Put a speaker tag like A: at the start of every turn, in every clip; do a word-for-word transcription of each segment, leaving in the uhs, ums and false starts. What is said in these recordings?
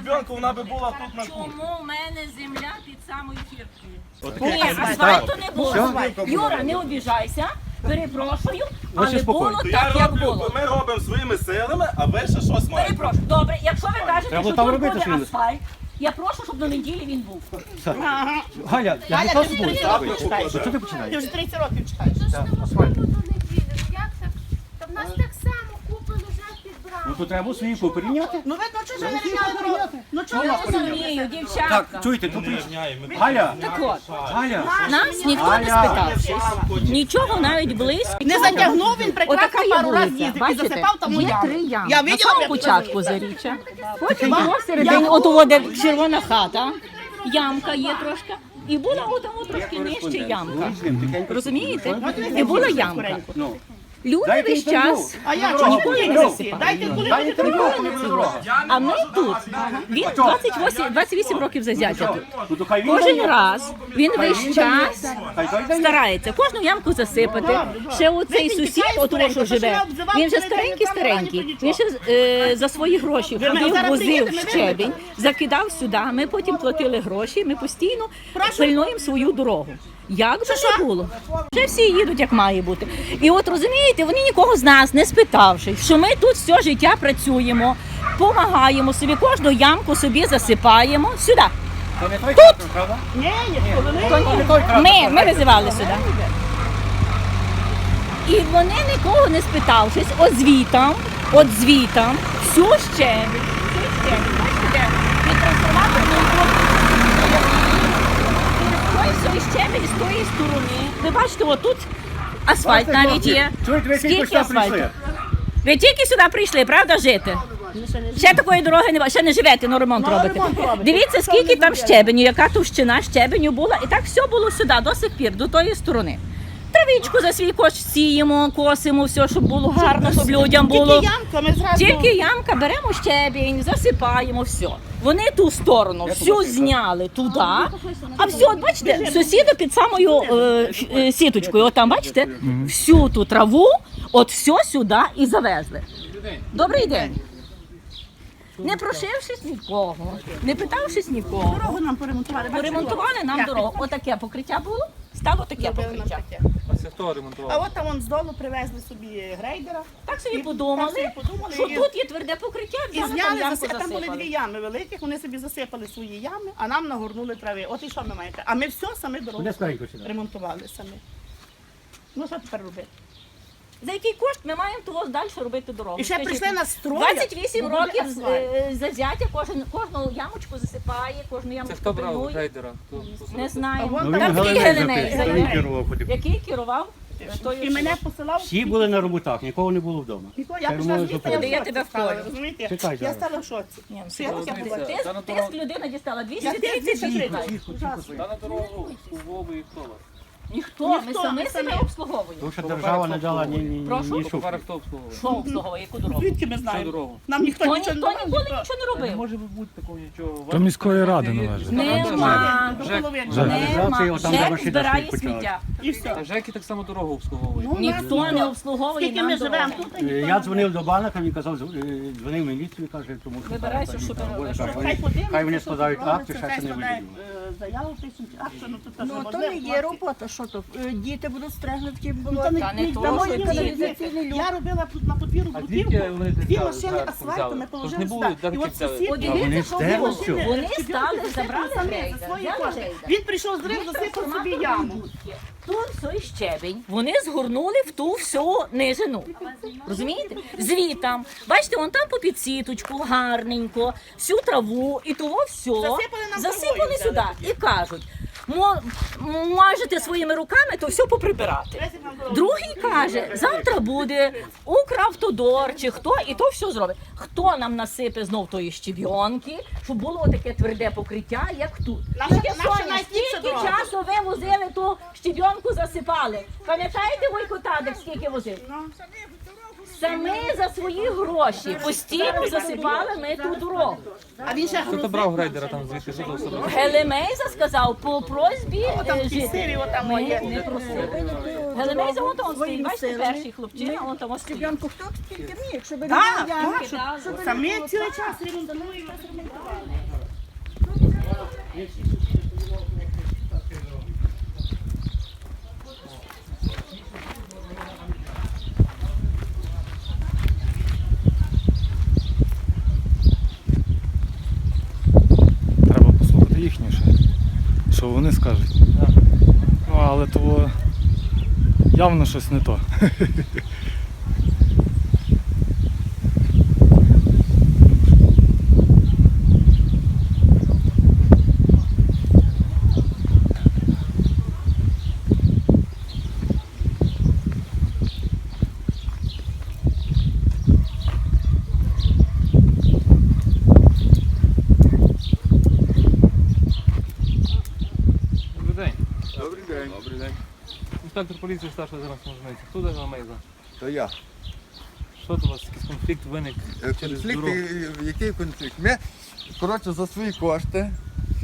A: щебенка, вона би була тут на кухні.
B: Чому в мене земля під самою фірткою?
A: Отаке.
B: Ні, асфальту не було. Юра, не обіжайся, перепрошую, але було
A: То я
B: так, як
A: роблю,
B: було.
A: ми робимо своїми силами, а ви ще щось маєте.
B: Перепрошую. Добре, якщо ви кажете,
C: Треба
B: що
C: там
B: тут
C: робити
B: буде
C: щось.
B: асфальт, я прошу, щоб до неділі він був.
C: Галя, я не то збуду.
A: Ставте покладемо.
C: Що ти починаєш?
D: Ти вже тридцять років чекаєш.
E: То ж не можливо до неділі. Ну як так? Та в нас так само купи лежать під
C: Ну
E: брамою.
C: то треба свої порівняти.
D: Ну видно, чого ж ви не міняли дорогу? Ну чого
B: Я
D: ви
B: розумію,
C: Так,
B: дівчатка.
C: чуєте, тут Галя,
B: Так от,
C: Галя,
B: нас ніхто не спитавшись, нічого навіть близько.
D: не затягнув, він прекрасно
B: Отака є
D: пару разів
B: вулиця,
D: їздив і
B: бачите?
D: засипав тому
B: Є
D: яму.
B: три ями.
D: Я
B: На
D: виділа,
B: самому
D: як
B: початку
D: це
B: заріччя, потім посередині, от у де червона хата, ямка є трошки, і була отому трошки нижче ямка. Розумієте? І була ямка.
C: ну,
B: Люди
C: дайте
B: весь
C: інтерв'ю.
B: час,
D: А я чого ніколи не засипав? Дайте коли
C: Дай
D: буде
C: інтерв'ю,
D: дорога.
C: коли буде дорога.
B: а ми тут, він двадцять вісім, двадцять вісім років зазяття тут.
C: Ну то хай він
B: Кожен
C: дає.
B: раз він весь час
C: Хай той дає.
B: старається кожну ямку засипати. Ще оцей сусід, от того, що живе, він вже старенький-старенький. Він ще е, за свої гроші ходив, возив щебінь, закидав сюди. Ми потім платили гроші, ми постійно пильнуємо свою дорогу. Як би не було. Вже всі їдуть, як має бути. І от розумієте, вони нікого з нас не спитавши, що ми тут все життя працюємо, допомагаємо собі, кожну ямку собі засипаємо сюди.
C: То не той трактор, правда?
D: Ні, ні, коли не.
C: То не той трактор.
B: Ми, ми визивали сюди. І вони нікого не спитавшись, от звітам, от звітам, всю щебінь, всю щебінь, бачите, від трансформаторної той щебінь з тої сторони. Ви бачите, от тут асфальт навіть є.
C: Чуєте, ви тільки
B: Скільки
C: сюди
B: асфальту?
C: прийшли.
B: Ви тільки сюди прийшли, правда, жити? Ще такої дороги немає, ще не живете, ну ремонт робите. Дивіться, скільки там щебеню, яка товщина щебеню була. І так все було сюди, до сих пір, до тої сторони. Травичку за свій кошт сіємо, косимо, все, щоб було гарно, щоб людям було.
D: Тільки ямка, ми зразу.
B: Тільки ямка, беремо щебінь, засипаємо, все. Вони ту сторону всю зняли туди, а все, от бачите, сусіди під самою е, ф- е, сіточкою, от там, бачите, всю ту траву, от все сюди і завезли. Добрий день. Не прошившись нікого, не питавшись нікого,
D: Дорогу нам поремонтували. бачите,
B: поремонтували нам
D: як
B: дорогу. Отаке покриття було, стало таке
D: робили нам
B: покриття.
D: таке.
F: А це хто
D: А
F: ремонтував?
D: от там вон здолу привезли собі грейдера.
B: Так собі
D: І
B: подумали,
D: так собі подумали,
B: що
D: і-
B: тут є тверде покриття,
D: І
B: взяли там
D: зняли,
B: ямку
D: заси... там були дві
B: засипали.
D: ями великих, вони собі засипали свої ями, а нам нагорнули трави. От і що ми маєте? А ми все самі дорогу
C: Куди скоренько сюди?
D: ремонтували самі. Ну що тепер робити?
B: За який кошт ми маємо того далі робити дорогу?
D: І ще
B: Скажіть
D: прийшли
B: мені.
D: нас строять,
B: двадцять вісім
D: бо буде
B: років
D: асфальт.
B: е, зазяття, кожен, кожну ямочку засипає, кожну
F: Це
B: ямочку
F: хто брав
B: пильнує.
F: грейдера? Хто- хто
B: Не
D: А
B: знаємо.
D: вон
C: Ну,
D: там
C: він
B: Там такий
C: Галиней
B: Геленей,
C: записав, він
B: Геленей.
C: керував потім.
B: Який керував?
D: І мене посилав.
C: Всі були на роботах, нікого не було вдома.
D: Ніколи, я
C: Це
D: пішла
C: може
D: з міста,
C: зупинити.
D: я
B: Я тебе
D: в шоці стала,
B: вколю.
D: розумієте?
C: Чекай
D: Я
C: зараз.
D: стала в шоці.
B: Ні, ну,
D: Що я таке
B: серйозно.
D: буває?
B: Тиск,
F: Та на
B: тиск
F: дорогу.
B: людина дістала двісті
D: Я
B: тридцять
D: тиск
B: гривень.
F: Та на дорогу у Вову і хто вас?
B: Ніхто, ми
D: Ніхто,
B: самі
D: ми
B: себе
D: самі.
B: обслуговуємо.
C: Тому що держава не дала ні, ні, ні,
B: Прошу?
C: ні
F: По
C: шуфлі.
F: хто обслуговує?
B: Що обслуговує, яку дорогу?
D: Звідки ми
F: Що
D: знаємо?
F: дорогу?
D: Нам ніхто
B: То
D: нічого
B: ніхто
D: не
B: ніколи
D: робить.
B: нічого не
F: Не
B: робив.
F: може бути такого нічого.
G: То міської ради належить.
B: Нема.
D: До
F: Жек.
D: половини.
C: Жек.
B: Нема.
C: Організація, отам, де
B: Жек
C: машина
B: збирає
C: стоїть, почала.
B: сміття.
D: І все.
F: Жеки так само дорогу обслуговують.
D: Ну,
B: Ніхто
D: нас
B: не обслуговує
D: Скільки
B: нам
D: ми живемо
B: дорогу.
D: тут,
C: Е, Я дзвонив до банка, він казав, з- е, дзвонив в міліцію, каже, тому що...
B: Вибирайся,
C: там,
B: щоб-
C: там,
B: щоб-
C: каже,
D: Хай
C: вони-
D: подивляться,
C: Хай вони
D: що
C: складають
D: тут робиться,
C: акти, ще
D: хай
C: це не
D: складають,
C: виділено.
D: е, заяву пишуть, акти, ну тут теж
H: Ну, то
D: можливо,
H: не є
D: хлопці.
H: робота, що то? Е, Діти будуть стригнути,
D: Ну,
H: було.
D: та не-
B: Та не
D: ні,
B: то,
D: та
B: що
D: мої
B: діти.
D: каналізаційні люки. Я робила тут на подвір'ю
F: А
D: бруківку,
F: звідки вони
D: дві
F: за-
D: машини
F: зверху
D: асфальту
F: взяли?
D: ми
F: Тож
D: положили
F: не було
D: сюди. І
F: дарки
D: от
F: взяли.
D: сусід,
B: От дивіться,
C: вони
B: що
C: стерли
B: було.
C: всю.
B: Вони
D: Собі
B: стали,
D: тут
B: забрали
D: самі за
B: грейдер,
D: свої
B: взяли
D: кошти.
B: грейдер.
D: Він прийшов з рив, засипав собі яму.
B: Тут той щебінь вони згорнули в ту всю нижину. Розумієте? Звітам. Бачите, вон там по підсіточку, гарненько, всю траву і того все
D: Засипали нам
B: засипали
D: травою,
B: сюди і кажуть, мо- можете своїми руками то все поприбирати. Другий каже, завтра буде Укравтодор чи хто, і то все зробить. Хто нам насипе знов тої щебінки, щоб було таке тверде покриття, як тут.
D: Наша-
B: Тільки
D: наша
B: Соня,
D: найстільша
B: скільки
D: дорога.
B: часу ви возили ту щебінку, засипали? Пам'ятаєте, Войко Тадик, скільки возив? Самі за свої гроші постійно засипали ми ту дорогу.
D: А він ще
F: Хто то брав грейдера там звідки? Що то все брав?
B: Гелемейза сказав по просьбі
D: там
B: е,
D: ті
B: жителів.
D: сирі, отам
B: Ми
D: є.
B: не просили. Гелемейза, вон там стоїть, бачите,
H: силами.
B: перший хлопчина, вон там стоїть.
H: Щебенку хто тільки міг, щоб не
D: Так,
H: було ямки.
D: так, щоб- самі цілий час ремонтують.
G: Треба послухати їхнє ще, що вони скажуть. Ну, але то явно щось не то.
F: Добрий день.
I: Добрий день.
F: Добрий день. Інспектор поліції старший зараз можливо. Хто дає Мейза?
I: То я.
F: Що тут у вас якийсь конфлікт виник
I: Е,
F: через
I: Конфлікт,
F: дорогу?
I: е, який конфлікт? Ми, коротше, за свої кошти е,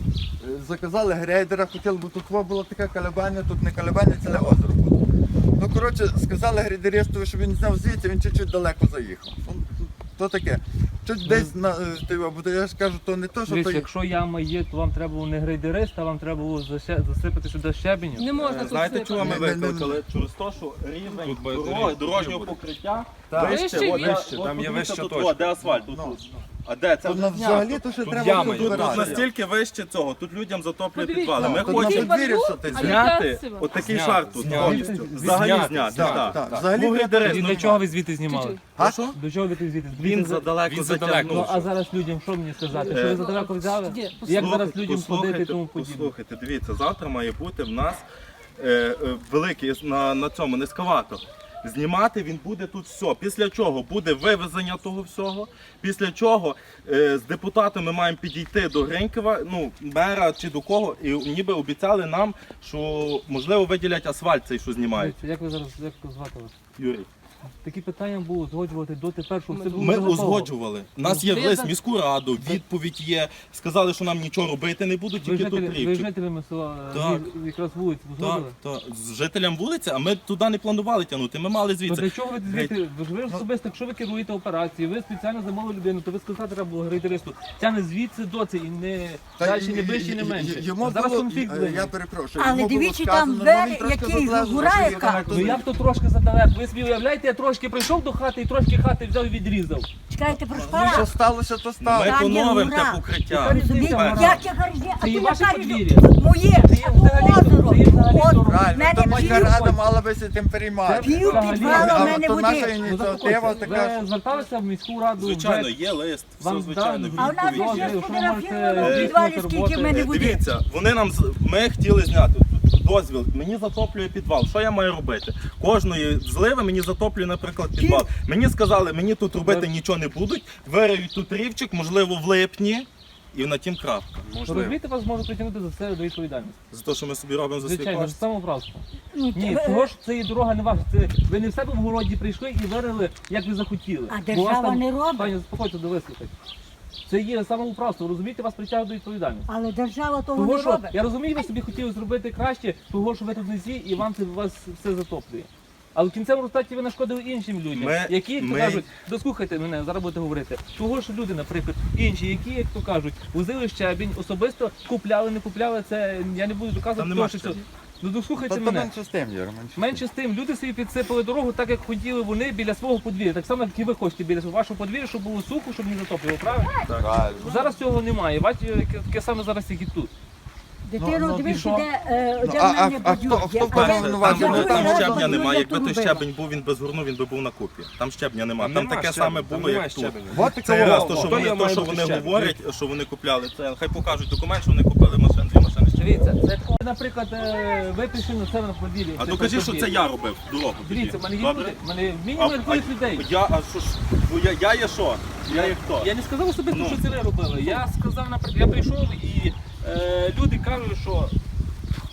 I: заказали грейдера, хотіли, бо тут во було таке калебання, тут не калебання, ціле озеро було. Ну, коротше, сказали грейдеристу, щоб він зняв звідси, він чуть-чуть далеко заїхав. Ну, То таке. Чуть десь на е, ти, бо то я ж кажу, то не то, що
F: Дивіться,
I: то.
F: якщо яма є, то вам треба було не грейдерист, а вам треба було заще- засипати сюди щебеню.
B: Не можна
A: Е,
B: тут
A: Знаєте,
B: сипати.
A: чого ми
I: Не- не- не-
A: викликали? Через те, що рівень
F: Тут буде
A: дороги,
F: доріг-
A: дорожнього
F: буде.
A: покриття
I: Так.
A: вище,
B: Вище
A: от,
B: від-
A: от,
F: там є
A: подивіться
F: вища
A: тут,
F: точка.
A: о, де асфальт, тут, тут. А де? Це
I: То
A: вже
I: на- взагалі
A: знято.
I: то ще
F: Тут
I: треба
F: яма
I: було
F: є.
A: Тут, тут
I: збирати.
A: настільки вище цього, тут людям затоплює
B: Подивіться,
A: підвали. Ми
I: Тут на
A: хочемо
I: подвір'ї все ти
B: А
I: зняв.
B: яка
A: зняти
B: сила?
A: отакий
F: Зняти,
A: шар тут
F: зняти.
A: повністю.
F: Зняти,
A: Взагалі
F: зняти,
A: зняти.
F: зняти.
A: так.
I: Так,
A: Ну,
I: взагалі
A: грейдерист,
F: І
A: ну,
F: для чого ви звідти знімали?
I: А?
F: До чого ви тут звідти?
A: Він задалеко
F: Ну
A: затягнув.
F: а зараз людям що мені сказати? Що
A: Е,
F: ви задалеко взяли?
B: Ні,
F: Як
A: Послухайте,
F: зараз людям ходити і
A: послухайте,
F: тому подібне?
A: Послухайте, дивіться, завтра має бути в нас е, е, великий на, на цьому ескаватор. Знімати він буде тут все. Після чого буде вивезення того всього. Після чого е, з депутатами маємо підійти до Гринькова, ну, мера чи до кого, і ніби обіцяли нам, що можливо виділять асфальт цей, що знімають.
F: Дивіться, Як ви зараз як звати вас?
A: Юрій.
F: Такі питання було узгоджувати до тепер, що все було
A: Ми
F: вже готово.
A: узгоджували. У нас є
B: Ви
A: лист
B: за-
A: в міську раду, відповідь є. Сказали, що нам нічого робити не будуть,
F: Ви
A: тільки тут
F: жителі, ви
A: рівчик.
F: жителями села
A: Так.
F: ви якраз вулиці
A: Так,
F: узгодили?
A: так. З жителям вулиці, а ми туди не планували тягнути. Ми мали
F: То
A: звідси.
F: для чого ви звідти? Ви ж ви ж особисто, якщо ви керуєте операцією, ви спеціально замовили людину, то ви сказати треба було грейдеристу. Тягне звідси доці і не
I: Та
F: далі,
I: й-
F: не ближче, не
I: й- й-
F: менше.
I: Йому
F: А зараз
I: було-
F: конфлікт
I: е,
F: виник.
I: Я перепрошую.
H: Але
I: йому було
H: дивіться,
I: сказано,
H: там
I: ну,
H: двері,
I: він трошки
H: які
I: задлежав,
H: гура
I: що
H: яка.
I: він
F: Ну як то трошки задалеко? Ви собі уявляєте, я трошки прийшов до хати і трошки хати взяв і відрізав.
H: Чекайте, про
I: Ну, що
H: що?
I: сталося, то
A: Ми
I: сталося.
H: Та ні,
A: поновимо те
H: ура.
A: покриття.
H: Розумієте,
A: Перше.
H: як я гаражі, а
F: Це
H: ти
F: є
H: я
F: ваше
H: кажу,
F: подвір'я?
H: моє,
F: Це є
H: а то
F: взагалі-
H: озеро,
F: це є взагалі
H: озеро.
F: дорога.
H: В
I: Правильно,
H: мене
I: то міська
H: пів,
I: рада мала би цим переймати.
H: пів підвала в
I: А
H: мене
I: то наша
H: води.
F: Ну,
I: ініціатива така.
F: Ви зверталися в міську раду?
A: Звичайно,
F: вже?
A: є лист, все
F: Вам
A: звичайно.
F: дали?
H: А в нас
A: відповідь
H: же
A: є.
H: ще
F: Що ви можете
H: сфотографіровано в
A: здійснювати
H: підвалі, скільки в
F: роботи?
H: мене
A: Е,
H: води.
A: Дивіться, вони нам з- ми хотіли зняти дозвіл. Мені затоплює підвал. Що я маю робити? Кожної зливи мені затоплює, наприклад, підвал. Мені сказали, мені тут робити нічого не будуть. Вириють тут рівчик, можливо, в липні. І на тім крапка. Можливо.
F: Розумієте, вас можуть притягнути за це до відповідальності.
A: За те, що ми собі робимо за свій
F: Звичайно,
A: кошт.
F: це самоуправство.
H: Ну,
F: Ні,
H: ви-
F: того ж це і дорога не ваша. Це ви не в себе в городі прийшли і вирили, як ви захотіли.
H: А
F: Бо
H: держава
F: вас там-
H: не робить.
F: Пані, заспокойтеся, довислухайте. Це є самоуправство, розумієте, вас притягують до відповідальності.
H: Але держава того
F: Того,
H: не
F: що,
H: робить.
F: я розумію, ви собі хотіли зробити краще, того, що ви тут не зі, і вам це вас все затоплює. Але в кінцевому результаті ви нашкодили іншим людям,
A: Ми-
F: які, як то
A: ми-
F: кажуть, дослухайте мене, зараз будете говорити. Того, що люди, наприклад, інші, які, як то кажуть, возили щебінь, особисто купляли, не купляли, це я не буду
A: Там
F: доказувати,
A: нема
F: того, що все.
A: щебня.
F: Ну дослухайте
I: Та то
F: мене.
I: менше з тим, Юра, менше з тим.
F: Менше з тим, люди собі підсипали дорогу так, як хотіли вони біля свого подвір'я. Так само, як і ви хочете біля вашого подвір'я, щоб було сухо, щоб не затоплювало, правильно?
I: Правильно.
F: Зараз цього немає. Бачите, яке- таке саме зараз, як і тут.
H: Дитино,
I: ну,
H: дивись,
F: і що?
H: де, е,
I: Ну,
H: де
I: а-
H: в мене
I: а- а хто-
H: бодюр.
I: хто
H: Я-
I: впевнений,
H: а я-
I: ну, вас
H: я
A: Там,
I: не
H: говорю,
A: там
H: я
A: щебня
H: говорю,
A: немає.
H: я
A: Якби
H: тут
A: той
H: робила.
A: щебень був, він без горну, він би був на купі. Там щебня немає. Там
F: нема
A: таке
F: щебня,
A: саме
F: там
A: було,
F: немає
A: як тут.
F: щебеня.
I: От
A: Це
I: таке
A: раз,
I: воно.
A: то, що
F: Хто
A: вони,
F: я
A: то,
F: маю
A: що
F: бути
A: вони
F: щебень?
A: говорять, що вони купляли. Це хай покажуть документ, що вони купили машин, дві машини.
F: Дивіться, це таке, наприклад, е, ви прийшли на себе на подвір'я.
A: А
F: це
A: докажи, що
F: подвір'я.
A: це я робив дорогу. тоді.
F: Дивіться, в мене є
A: Добре?
F: люди, в мене
A: А-
F: мінімум
A: а-
F: рахують людей.
A: Я, а що ж, ну, я, я є що? Я є хто?
F: Я не сказав особисто,
A: Ну.
F: що це ви робили. Я сказав, наприклад, я прийшов і е, люди кажуть, що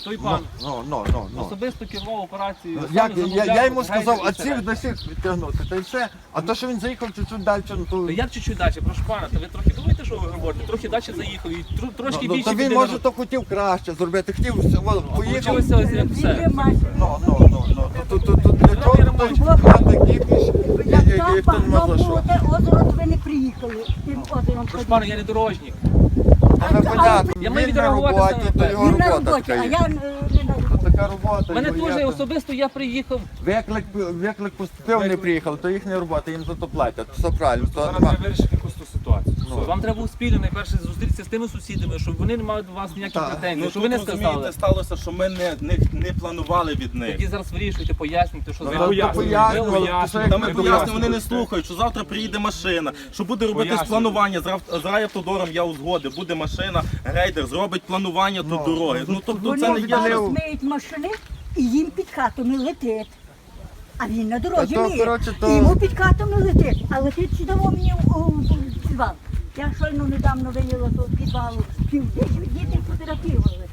F: той пан
I: Ну, ну, ну, ну.
F: особисто керував операцією.
I: Ну,
F: сам
I: Як, я,
F: замовляв
I: я йому
F: грейдер
I: сказав,
F: і
I: а
F: все
I: цих
F: решта.
I: до сих відтягнути, та й все. А то, що він заїхав чуть-чуть далі, ну то...
F: Ну, як чуть-чуть далі, прошу пана, то ви трохи думаєте, що ви говорите? Трохи далі заїхав і тр- трошки
I: Ну, ну,
F: більше
I: то він
F: біди
I: може
F: народ-
I: то хотів краще зробити, хотів все, о, поїхав.
F: Получилося ось як все.
I: Ну, ну, ну, ну, тут, тут, тут для чого той мати кіпіш,
H: Як
I: і хто
H: там
I: нема за
H: могло
I: що.
H: бути озеро, то ви не приїхали. Тим озером
F: Прошу пана, я не дорожник.
I: Та не понятно,
F: Я маю
I: він на
F: відреагувати
I: роботі,
F: саме
I: то
F: так.
I: його
H: Він на
I: робота
H: роботі, а
I: така
H: я
I: є.
H: е, не на роботі.
I: То така робота.
F: Мене
I: його
F: теж
I: є.
F: особисто я приїхав.
I: Виклик, виклик поступив, не приїхали, то їхня робота, їм за то платять, все правильно. То
G: Зараз
I: нема.
G: треба вирішити якусь ту ситуацію.
F: Вам треба було спільно найперше зустрітися з тими сусідами, щоб вони не мали до вас ніяких
I: Так.
F: претензій,
A: Ну
F: щоб
A: тут
F: ви не сказали.
A: розумієте, сталося, що ми не, не, не планували від них.
F: Тоді зараз вирішуйте, пояснюйте, що
I: Ну,
F: за
I: то
G: пояснюємо.
I: пояснювали,
G: Ви
I: то що
A: Та
I: як
A: ми
I: ми
A: пояснюємо, вони не слухають, що завтра приїде машина, що буде робити
G: Пояснюємо.
A: планування. З Рав- з райавтодором я узгодив, буде машина, грейдер зробить планування тут дороги. Ну тобто
H: Вони
A: це не є.
H: зараз
A: що-
H: миють машини і їм під хатами летить. А він на дорозі
I: Та то,
H: миє.
I: коротше, то-
H: І йому під хатами летить. А летить сюди мені у у підвал. Я щойно недавно виняла того підвалу. Південь діти фотографували.